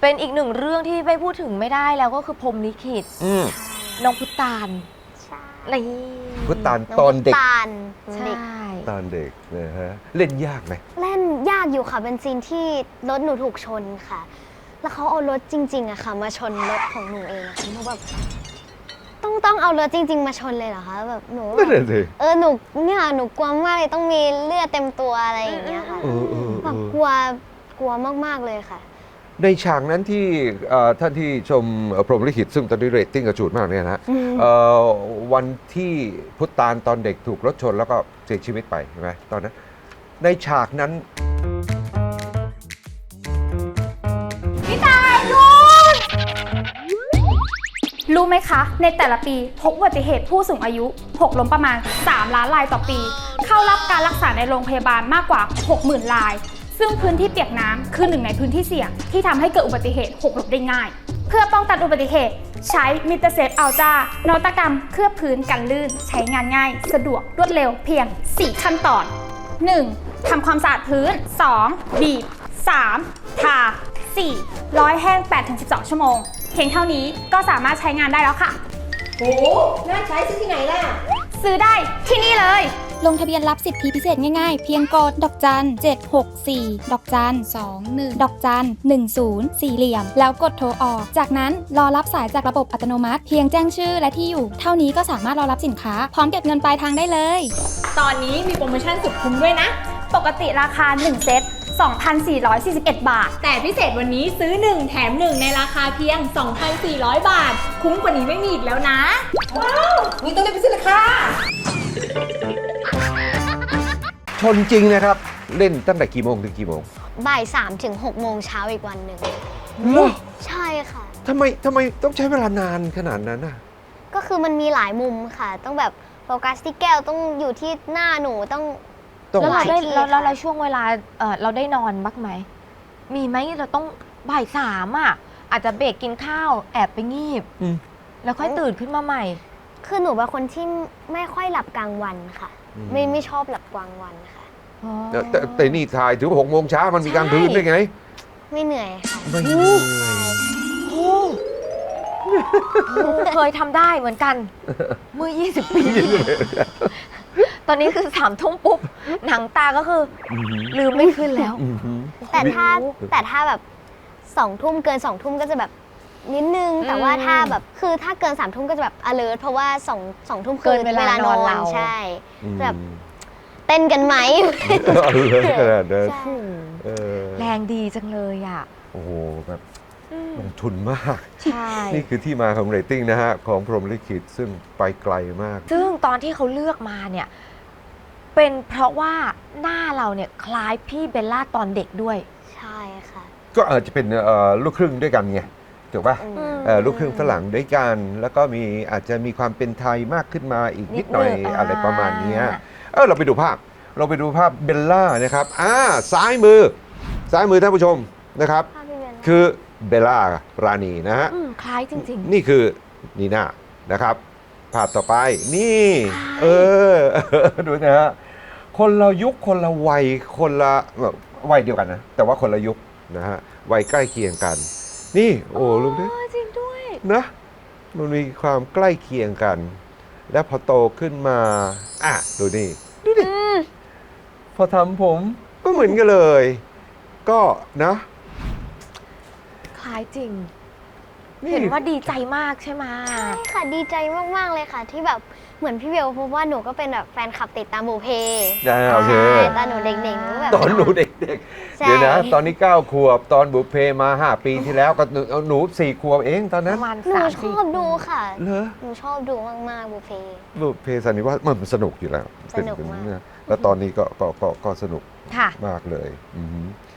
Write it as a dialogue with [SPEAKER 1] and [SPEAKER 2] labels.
[SPEAKER 1] เป็นอีกหนึ่งเรื่องที่ไม่พูดถึงไม่ได้แล้วก็คือพรหมลิขิตน้องพุตานนี่
[SPEAKER 2] พุตานตอนเด็ก
[SPEAKER 1] ใช่
[SPEAKER 2] ตอนเด็กนะฮะเล่นยากไหม
[SPEAKER 3] เล่นยากอยู่ค่ะเป็นซีนที่รถหนูถูกชนค่ะแล้วเขาเอารถจริงๆอะค่ะมาชนรถของหนูเองค่ะหนูแบบต้องเอารถจริงๆมาชนเลยเหรอคะแบบหนูหนูกลัวมากเลยต้องมีเลือดเต็มตัวอะไรอย่างเงี้ยค่ะแบบกลัวมากๆเลยค่ะ
[SPEAKER 2] ในฉากนั้นที่ท่านที่ชมพรหมลิขิตซึ่งตอนนี้เรตติ้งกระจูดมากเนี่ยนะวันที่พุตานตอนเด็กถูกรถชนแล้วก็เสียชีวิตไปใช่ไหมตอนนั้นในฉากนั้น
[SPEAKER 4] พี่ตายดูรู้ไหมคะ ในแต่ละปีพบอุบัติเหตุผู้สูงอายุหกล้มประมาณ 3 ล้านรายต่อปี เข้ารับการรักษาในโรงพยาบาลมากกว่า 60,000 ราย ซึ่งพื้นที่เปียกน้ำคือหนึ่งในพื้นที่เสี่ยงที่ทำให้เกิดอุบัติเหตุหกล้มได้ง่าย เพื่อป้องกันอุบัติเหตุใช้มิเตอร์เซฟอัลจ้านวัตกรรมเคลือบพื้นกันลื่นใช้งานง่ายสะดวกรวดเร็วเพียง 4 ขั้นตอน 1. ทำความสะอาดพื้น 2. บีบ 3. ทา 4. ร้อยแห้ง 8-12 ชั่วโมงเพียงเท่านี้ก็สามารถใช้งานได้แล้วค่ะ
[SPEAKER 5] โหน่าใช้ซื้อที่ไหนล่ะ
[SPEAKER 4] ซื้อได้ที่นี่เลย
[SPEAKER 6] ลงทะเบียนรับสิทธิพิเศษง่ายๆเพียงกดดอกจัน764ดอกจัน21ดอกจัน10สี่เหลี่ยมแล้วกดโทรออกจากนั้นรอรับสายจากระบบอัตโนมัติเพียงแจ้งชื่อและที่อยู่เท่านี้ก็สามารถรอรับสินค้าพร้อมเก็บเงินปลายทางได้เลย
[SPEAKER 4] ตอนนี้มีโปรโมชั่นสุดคุ้มด้วยนะปกติราคา1เซต2,441 บาท
[SPEAKER 5] แต่พิเศษวันนี้ซื้อ1แถม1ในราคาเพียง 2,400 บาทคุ้มกว่านี้ไม่มีอีกแล้วนะว้าวนี่ต้องได้ไปซื้อเลยค่ะ
[SPEAKER 2] ชนจริงนะครับเล่นตั้งแต่กี่โมงถึงกี่โมง
[SPEAKER 3] บ่าย 3 ถึง 6 โมงเช้าอีกวันหนึ่งใช่ค่ะ
[SPEAKER 2] ทำไมต้องใช้เวลานานขนาดนั้นน่ะ
[SPEAKER 3] ก็คือมันมีหลายมุมค่ะต้องแบบโฟกัสที่แก้วต้องอยู่ที่หน้าหนูต้อง
[SPEAKER 1] แล้วเราช่วงเวลาเราได้นอนบ้างไหมมีไหมเราต้องบ่าย 3อ่ะอาจจะเบรกกินข้าวแอบไปงีบแล้วค่อยตื่นขึ้นมาใหม่
[SPEAKER 3] คือหนูเป็นคนที่ไม่ค่อยหลับกลางวันค่ะไม่ชอบหลับกลางวันค่ะ
[SPEAKER 2] แต่นี่ถ่ายถึง6 โมงเช้ามันมีกลางคืนได้ไง
[SPEAKER 3] ไม่เหนื่อยค่ะ
[SPEAKER 2] ไม่เหนื่อย
[SPEAKER 1] เคยทำได้เหมือนกันเมื่อ20 ปีตอนนี้คือ3 ทุ่มปุ๊บหนังตาก็คือลืมไม่ขึ้นแล้ว
[SPEAKER 3] แต่ถ้าแบบ2 ทุ่มเกิน2 ทุ่มก็จะแบบนิดนึงแต่ว่าถ้าแบบคือถ้าเกิน3 ทุ่มก็จะแบบ alert เพราะว่า2 ทุ่มคือเวลานอนเราใช่แบบเต้นกันไหม
[SPEAKER 1] แรงดีจังเลยอ่ะ
[SPEAKER 2] โอ้โหแบบลงทุนมากนี่คือที่มาของเรตติ้งนะฮะของพรหมลิขิตซึ่งไปไกลมาก
[SPEAKER 1] ซึ่งตอนที่เขาเลือกมาเนี่ยเป็นเพราะว่าหน้าเราเนี่ยคล้ายพี่เบลล่าตอนเด็กด้วย
[SPEAKER 3] ใช่ค่ะ
[SPEAKER 2] ก็อาจจะเป็นลูกครึ่งด้วยกันไงถูกป่ะลูกครึ่งฝรั่งด้วยกันแล้วก็อาจจะมีความเป็นไทยมากขึ้นมาอีกนิดหน่อยอะไรประมาณนี้เราไปดูภาพเบลล่านะครับซ้ายมือท่านผู้ชมนะครับคือเบลล่ารานีนะฮะ
[SPEAKER 1] คล้ายจริง
[SPEAKER 2] ๆนี่คือนีน่านะครับภาพต่อไปนี่ดูนะฮะคนละยุคคนละวัยคนละวัยเดียวกันนะแต่ว่าคนละยุคนะฮะวัยใกล้เคียงกันนี่โอ้ลูกนี่
[SPEAKER 1] จริงด้วย
[SPEAKER 2] นะมันมีความใกล้เคียงกันและพอโตขึ้นมาดูดิพอทำผมก็เหมือนกันเลยก็นะ
[SPEAKER 1] คล้ายจริงเห็นว่าดีใจมากใช่ไหม
[SPEAKER 3] ใช่ค่ะดีใจมากๆเลยค่ะที่แบบเหมือนพี่เบลเพราะว่าหนูก็เป็นแบบแฟนคลับติดตามบุพเพ
[SPEAKER 2] โอเค
[SPEAKER 3] ตอนหนูเด็กๆหนูแบบ
[SPEAKER 2] ตอนหนูเด็กๆเดี๋ยวนะตอนนี้9 ขวบตอนบุพเพมา5 ปีที่แล้วก็หนู4 ขวบเองตอนนั้น
[SPEAKER 3] หนูชอบดูค่ะ
[SPEAKER 2] เหรอ
[SPEAKER 3] หนูชอบดูมากๆบุพเพ
[SPEAKER 2] สันนิวาสมันสนุกอยู่แล้ว
[SPEAKER 3] สนุกมาก
[SPEAKER 2] แล้วตอนนี้ก็สนุกมากเลย